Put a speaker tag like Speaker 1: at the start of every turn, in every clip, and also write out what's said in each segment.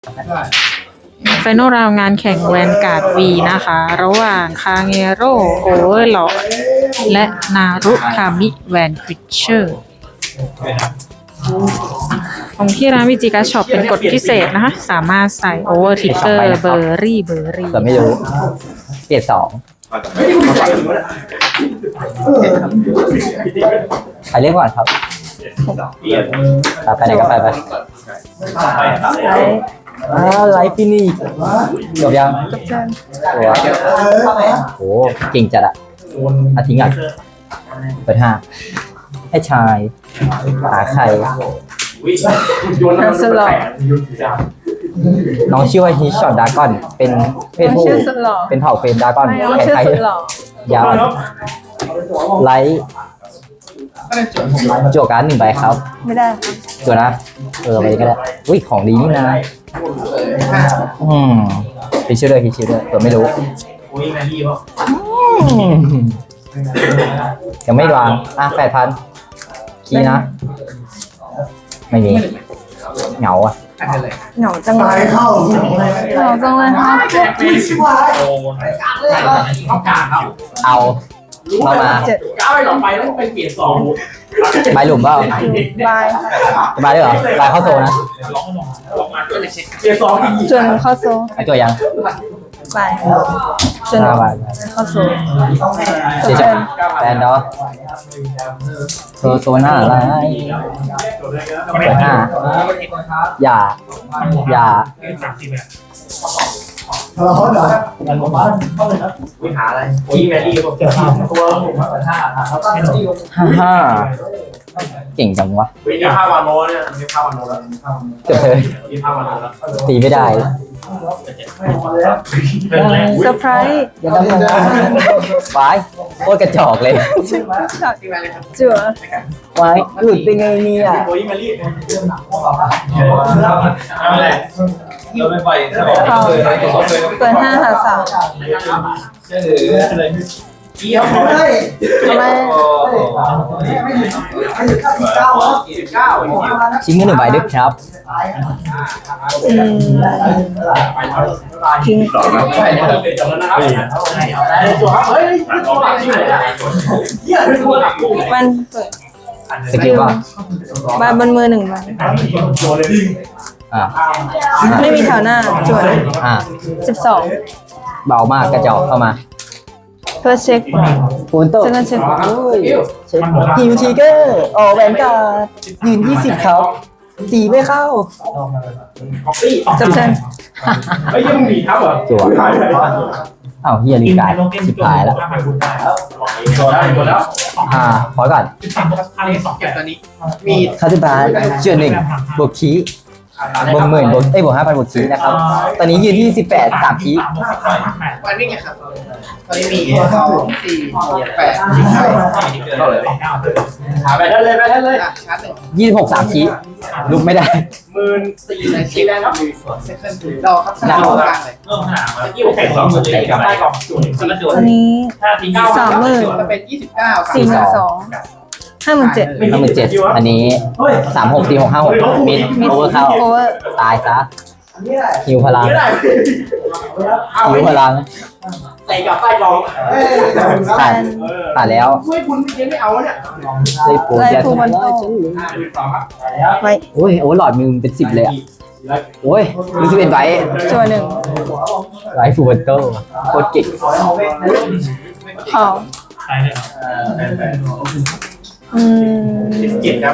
Speaker 1: ไฟนอลราวงานแข่งแวนการ์ดวีนะคะ ระหว่างคาเงโร่โอเวอร์ลอดและนารุคามิแวนคริชเชอร์ของที่ร้านวิจิกาช็อปเป็นกฎพิเศษนะคะ สามารถใส่โอเวอร์ทิกเกอร์เบอร์รี่
Speaker 2: แต่ไม่รู้เกรด2ใครเรียกก่อนครับไปไหนก็ไปไลฟ์ฟินิชจบยังโอ้เก่งจัดอะทิ้งอ่ะเปิด5ให้ชายหาใครน้องชื่อว่าฮิชช็อตดากอนเป็นเพศผู้เป็นเผ่าเฟรนดากอนแขนไทยยาวไลท์จั่วการ์ด1 ใบครับ
Speaker 3: ไม่ได้
Speaker 2: จั่วนะไปก็ได้อุ้ยของดีนี่นะพิชิตด้วยตัวไม่รู้ยังไม่วาง8,000คีย์นะไม่มีเหงา
Speaker 3: เหงาจังเลยครับ
Speaker 2: เอาเข้ามาใบหลุมเปล่าใบด้วยเหรอใบเข้าโซนะ
Speaker 3: จนเข้าโซ
Speaker 2: ไอตัวยัง
Speaker 3: ใบจนเข้าโซ
Speaker 2: แฟนเนาะโซน่าอะไรเปิด5อย่า
Speaker 4: หาอะไรที่แมรี่ผมจะทำตัวผมมา
Speaker 2: เก่งจังวะ
Speaker 4: มีภาพวานโนเนี่ยมีภาพวานโนแล้ว
Speaker 2: เกือบเลย
Speaker 4: มีภาพวานโนแล้ว
Speaker 2: ตีไม่ได้
Speaker 3: เซอร์ไพรส์
Speaker 2: อย่าทำไว้โคตรกระจอกเลย
Speaker 3: จั่ว
Speaker 2: ไว้หลุดได้ไงเนี่ย
Speaker 4: โอ้ยแมรี่เราไม่ไป
Speaker 3: เปิด5 หา 3ทำไม
Speaker 2: ชิ้นเงิน1 ใบด้วยครับ
Speaker 3: ทิ้งมันเปิด
Speaker 2: สกิลว่า
Speaker 3: ใบบนมือ1 ใบไม่มีแถวหน้าจั่ว12
Speaker 2: เบามากกระจอกเข้ามา
Speaker 3: เพื่อเช็ค
Speaker 2: ฟูนโต้
Speaker 3: เช็ค
Speaker 2: ฮิวทีเกอร์แวนการ์ดยืน20ครับตีไม่เข้า
Speaker 3: จับเชิญ
Speaker 4: เฮ้ยยังมีครับเหรอ
Speaker 2: จั่วเฮียลีกายสุดท้ายแล้วพอก่อน
Speaker 4: เก็บตอนนี้
Speaker 2: มีคาติบาเจือ1บวกคีบวก10,000บวก5,000บวกคีนะครับตอนนี้ยืนที่18 3คี
Speaker 4: วันนี้ไงครับตอนนี้มี2 4 8เข้าเลยไปได้เลยชาร์จ
Speaker 2: 26 3คีลุกไม่ได้
Speaker 4: 14ในคีแล้วครับรอครับรอกลางเลย
Speaker 3: อันนี้
Speaker 4: 30,000จะเป็น29
Speaker 3: 42,57,000
Speaker 2: อันนี้36 46 56มิดโอเวอร์เข้าตายซะหิวพลัง
Speaker 4: ใส่กับใต้กอง
Speaker 2: ตัดแล้ว
Speaker 4: ช่วยคุณไม่เอาเนี่ย
Speaker 2: ได้ปู
Speaker 3: มัน
Speaker 2: ไปโอ้ยหลอดมึงเป็น10เลยโอ้ยรู้สึกเป็นไว้
Speaker 3: จั่ว
Speaker 2: 1ไลฟ์ฟูเตอร์โคตรเก่ง
Speaker 4: เก็บครับ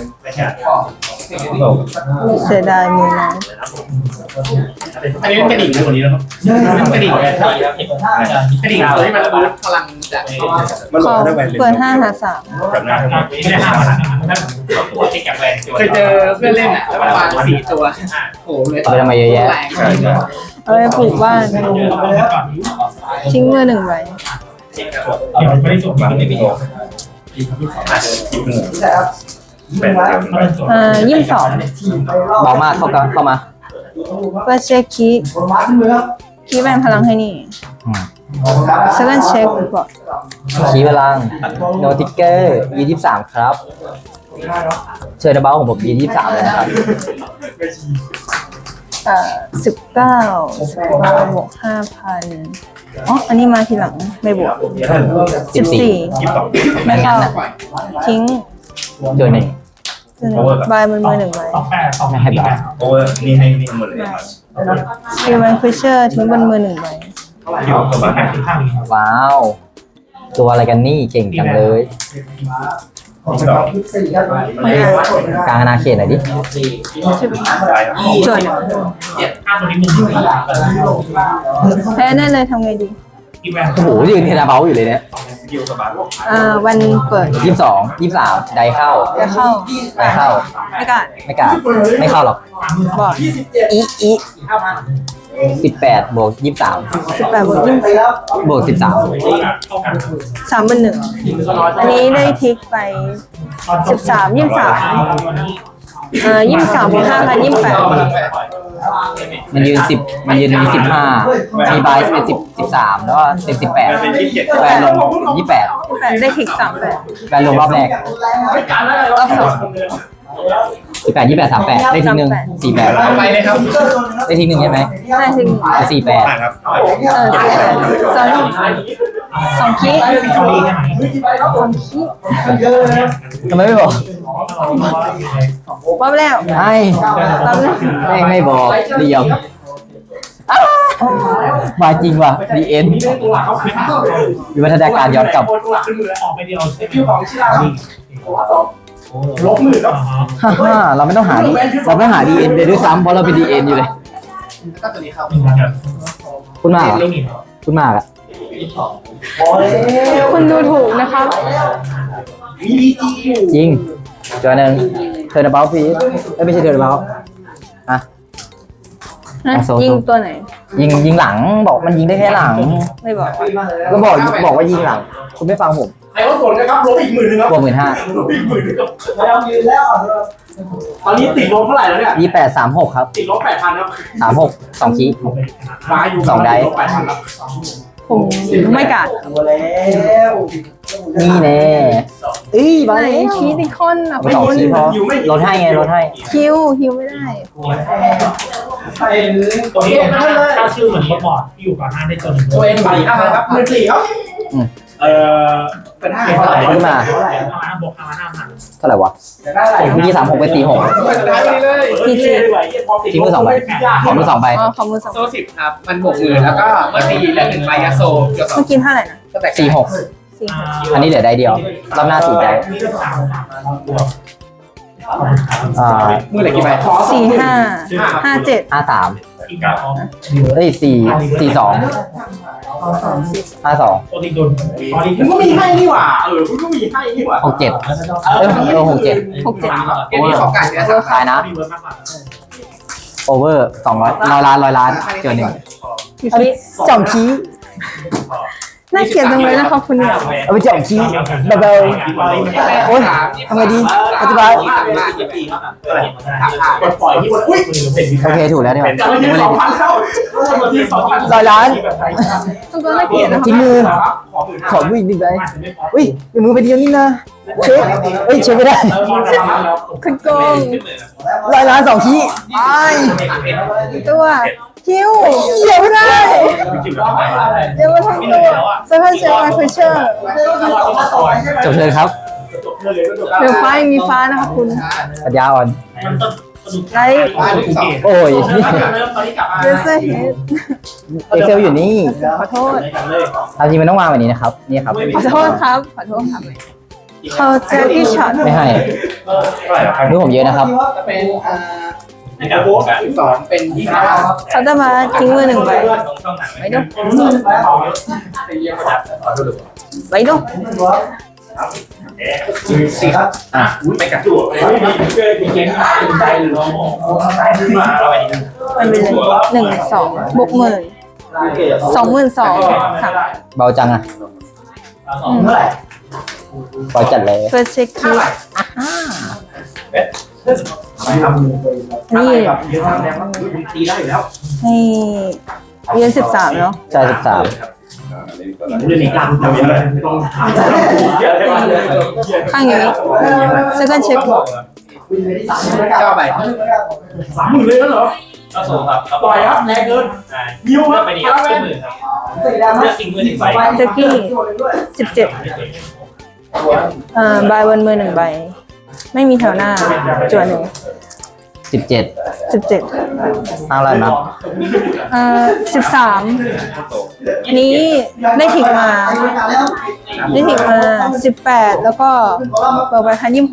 Speaker 3: เสียดายมือนะ
Speaker 4: อันนี้กระดิ่งตัวนี้นะครับกระดิ่งตัวที่มันระเบิดพลังจาก
Speaker 3: เปิด5 หา 3
Speaker 4: เคยเจอเพื่อนเล่นแล้วมันวาง4 ตัวโอ้เลย
Speaker 2: ไปทำไมเยอะแยะ
Speaker 3: เอาไปปลูกบ้านทิ้งมือ1 ใบ22
Speaker 2: เบามากเข้ามา
Speaker 3: เพื่อเช็คคีแบนพลังให้นี่เซคันด์เช็คก่อน
Speaker 2: คีพลังโนติกเกอร์23ครับเชิญนะเบ้าของผม23เลยนะครับ
Speaker 3: 19บวก5,000อ๋ออันนี้มาทีหลังไม่บวก14ไม่เข้าทิ้ง
Speaker 2: เจอหนึ่ง
Speaker 3: ใบมือ1ใบ
Speaker 2: ไม่ให้บา
Speaker 5: โอเวอร์นี่ให้นี่หมดเลย
Speaker 3: คิวแมนฟิชเชอร์ทิ้งบนมือ1ใบ
Speaker 5: คิวกับบ้านข้าง
Speaker 2: ว้าว ตัวอะไรกันนี่เก่งจังเลย กลางอาณาเขตหน่อยดิ
Speaker 3: จนแพ้แน่เลยทำไงดี
Speaker 2: โอ้โหยืนเทนาเบลอยู่เลยเนี่ย
Speaker 3: วันเปิด
Speaker 2: 22 23 ได้เข้า
Speaker 3: จะเข้า
Speaker 2: ได้เข้า
Speaker 3: ไม่กล้า
Speaker 2: ไม่กล้าไม่เข้าหรอก
Speaker 3: บอด
Speaker 2: อี18 บวก 23
Speaker 3: 18บวก
Speaker 2: บวก 13
Speaker 3: 3เป็น1อันนี้ได้ทิกไป13 2323บวก5,000 28
Speaker 2: มันยืนมี15 มีบายเป็น13 แล้วก็เป็น18แวนลง28
Speaker 3: ได้ทิก3แบบ
Speaker 2: แวนลงรอบแรก
Speaker 3: รอบ2
Speaker 2: 18 28 38 ได้ทีหนึ่ง48
Speaker 4: ไปเลยครับ
Speaker 2: ได้ทีหนึ่งใช่ไหม
Speaker 3: ได้ทิก
Speaker 2: 48
Speaker 5: ครับ
Speaker 3: 2คี
Speaker 2: ทำไมไม่บอก
Speaker 3: ว่าแล้ว
Speaker 2: ไอ้ไม่บอกเดียวมาจริงว่ะดีเอ็นวิวัฒนาการย้อนกลับ
Speaker 5: ออกไปเดียวคิวของชิลาลบมือแล้ว
Speaker 2: ฮ่าเราไม่ต้องหาดีเอ็นเลยด้วยซ้ำเพราะเราเป็นดีเอ็นอยู่เลย
Speaker 4: แล้วก็ตัวนี้เข้า
Speaker 2: คุณมากคุณมากอะ
Speaker 3: คุณดูถูกนะคะ
Speaker 2: จริงจอหนึ่งเทอร์นาเบลฟีไม่ใช่เทอร์นาเบลอ่ะ
Speaker 3: ยิงตัวไหน
Speaker 2: ยิงหลังบอกมันยิงได้แค่หลัง
Speaker 3: ไม่บอก
Speaker 2: ก็บอกว่ายิงหลัง คุณไม่ฟังผม
Speaker 5: ใครว่าผลนะครับลบอีก10,000ครับ
Speaker 2: บวก15,000
Speaker 5: ลบอีก10,000ครับแล้วยืนแล้วตอนนี้ติดลบเท่าไหร่แล้วเนี่ย
Speaker 2: 28 36ครับ
Speaker 5: ติดลบ 8,000ครับ
Speaker 2: 36 2คีย์
Speaker 5: มาอยู่
Speaker 2: 2ได้
Speaker 5: ลบ 8,000ครับ
Speaker 3: ผมไม่กัด
Speaker 2: นี่แน่มา
Speaker 3: ไหน
Speaker 2: แล้ว
Speaker 3: คีติคอนอ่ะ
Speaker 2: ไป2คีย์พอลดให้ไงลดให้
Speaker 3: คิวไม่ได้
Speaker 5: ตัวนี้ถ้าชื่อเหมือนบอร์ดที่อยู่ก่อนหน้าได้ตัวหนึ่งตัวเองไป5,000ครับ14ครับเป็น5เท่าไหร่
Speaker 2: ขึ้นมา
Speaker 5: บวก5,000
Speaker 2: เท่าไหร่วะเมื่อกี้36ไป46 ทิ้งมือ2ใบขอมือ2ใบ
Speaker 3: อ๋อขอมือ2
Speaker 4: โซ่10ครับ มันบวกมือแล้วก็เมื่อตีแล้ว1ใบยาโซเกี่ยวกับ
Speaker 3: เมื่อกี้เท่าไหร่นะ
Speaker 4: ก็แตก
Speaker 2: 46 อันนี้เหลือได้เดียวรอบหน้า4ได้
Speaker 4: มือเหลือกี่ใบ
Speaker 3: 4 5 5 7
Speaker 2: 53เอ้ย42 52
Speaker 5: ตัวนี้โดนคุณก็มีให้นี่หว่าคุณก็มีให้นี่หว่า
Speaker 2: 6767
Speaker 3: 6 7
Speaker 4: เกมนี้ขอการเนื้อ
Speaker 2: ขายนะโอเวอร์200 100 ล้านเจอหนึ่ง
Speaker 3: อยู่ที่
Speaker 2: จ่อมชี้
Speaker 3: น่าเกลียดจังเลยนะคะคุณเนี่ย
Speaker 2: เอาไปจ่อมชี้เบาๆโอ๊ยทำไงดีอธิบาย
Speaker 5: ปล่อยที่อุ้ย
Speaker 2: โอเคถูกแล้วเนี่ย
Speaker 5: เป็น2,000แล้ว
Speaker 2: 100 ล้าน
Speaker 3: ต้องก็น่าเกลียดนะคะ
Speaker 2: ทิ้งมือขอมืออีกหนึ่งใบอุ้ยมือไปเดียวนี่นะเช็คเช็คไม่ได้
Speaker 3: คุณโกง
Speaker 2: 100 ล้าน2ชี้ไอ้
Speaker 3: ตัวคิวเดี๋ยวไม่ได้เดี๋ยวมาทั้งตัวเซเว่นเซลล์ฟิชเชอร์
Speaker 2: จบเลยครับ
Speaker 3: เดี๋ยวฟ้ายังมีฟ้านะคะคุณ
Speaker 2: ปัญญาอ่อน
Speaker 3: ไลท์
Speaker 2: โอ้ย
Speaker 3: เดซเซอร์เฮด
Speaker 2: เอ็กเซลอยู่นี่
Speaker 3: ขอโทษ
Speaker 2: เอาจริงมันต้องวางแบบนี้นะครับนี่ครับ
Speaker 3: ขอโทษครับเขาเจอที่ช็อต
Speaker 2: ไม่ให้มือผมเยอะนะครับ
Speaker 4: จะเป็น12เป็น25
Speaker 3: เขาจะมาทิ้งมือ1ใบไว้ดูไว้ดู
Speaker 5: 4ครับไม่กัดตัวมีเกมใจหรือมาอะไร
Speaker 3: มันเป็น1 2บวก10,000 22,000 3
Speaker 2: เบาจังอะเบาจัดเลย
Speaker 3: เฟิร์สเช็คคิวนี่
Speaker 5: ตีได้อยู่แล้ว
Speaker 3: ให้เรียน13เนาะ
Speaker 2: ใช่13
Speaker 5: เรื่องนี้การทำยังไงต้อง
Speaker 3: ข้างอย่างนี้ second check
Speaker 4: 9 ใบ
Speaker 5: 30,000เลยแล้วเหรอ
Speaker 6: ก็สูงครับ
Speaker 5: ปล่อยครับแรงเกินนิวครับ
Speaker 6: ไปดีครับขึ้นมือครับเลือกทิ้งมือ1 ใบ
Speaker 3: แจ็คกี้17ใบบนมือ1 ใบ ไม่มีแถวหน้าจวนหนึ่ง
Speaker 2: 17
Speaker 3: 17
Speaker 2: ตั้งแล้วนะ
Speaker 3: 13นี้ได้ถิกมา 18 แล้วก็เปิดไปคัน26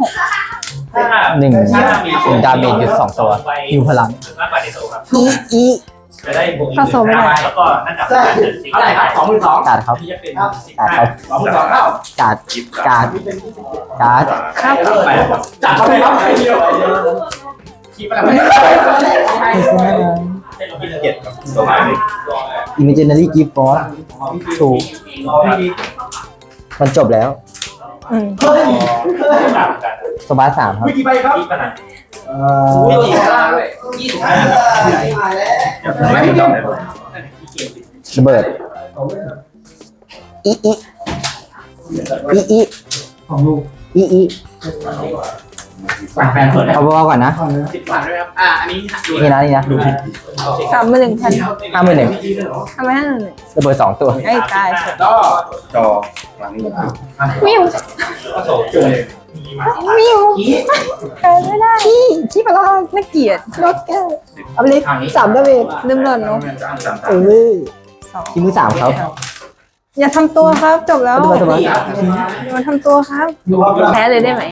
Speaker 2: 1ดาเมจหยุด2 ตัวฮิวพลัง
Speaker 6: มากกว่าในโซครับ
Speaker 3: อี
Speaker 6: จะได้บวก
Speaker 3: เข้าโซไม่ได้
Speaker 6: แล้วก็นั่นดับ
Speaker 4: ใช่
Speaker 5: เท่าไหร่ครับ22,000
Speaker 2: การ์ดครับ
Speaker 6: ที่จะเป็น
Speaker 2: การ์ดครับ
Speaker 5: 22,000เข้า
Speaker 2: การ์ดการ์ดการ์ด
Speaker 3: ครับ
Speaker 5: จัดเข้าไปครับใครเดียว
Speaker 4: คีบอะไรไม่
Speaker 6: ให้เราพิจารณาครับตัวใหม่
Speaker 2: อิมเมจินารีกิฟต์ฟอร์ถูกมันจบแล้ว
Speaker 6: ต่างกัน
Speaker 2: สบาร์3ครับ
Speaker 5: วิกี่ใบครับ
Speaker 6: ที่ขนาด
Speaker 4: ไม่ดีล่างด้วย25ไม่ต้อง
Speaker 2: ระเบิดอีอีอีอีอีอี
Speaker 5: แฟนเปิดแล้ว
Speaker 2: เอาเบาๆก่อนนะ
Speaker 4: 10 ผ่านด้วยครับอันนี้ดู
Speaker 2: นี่นะนี่นะ
Speaker 3: 31,000
Speaker 2: 51
Speaker 3: ทำไมให้1
Speaker 2: ระเบิด2 ตัว
Speaker 3: ไอ้ตาย
Speaker 5: ก็
Speaker 4: จอหลังนี้
Speaker 3: มิว
Speaker 6: ก็โซจุ่มมีมา
Speaker 3: มิวแพ้ไม่ได้ขี้ปลาไม่เกลียดรถแก้วเอาไปเลย3ดาเมจลืมหล่นเนาะ2
Speaker 2: ที่มือ3ครับ
Speaker 3: อย่าทำตัวครับจบแล้ว
Speaker 2: สบาย
Speaker 3: อย่ามาทำตัวครับแพ้เลยได้ไหม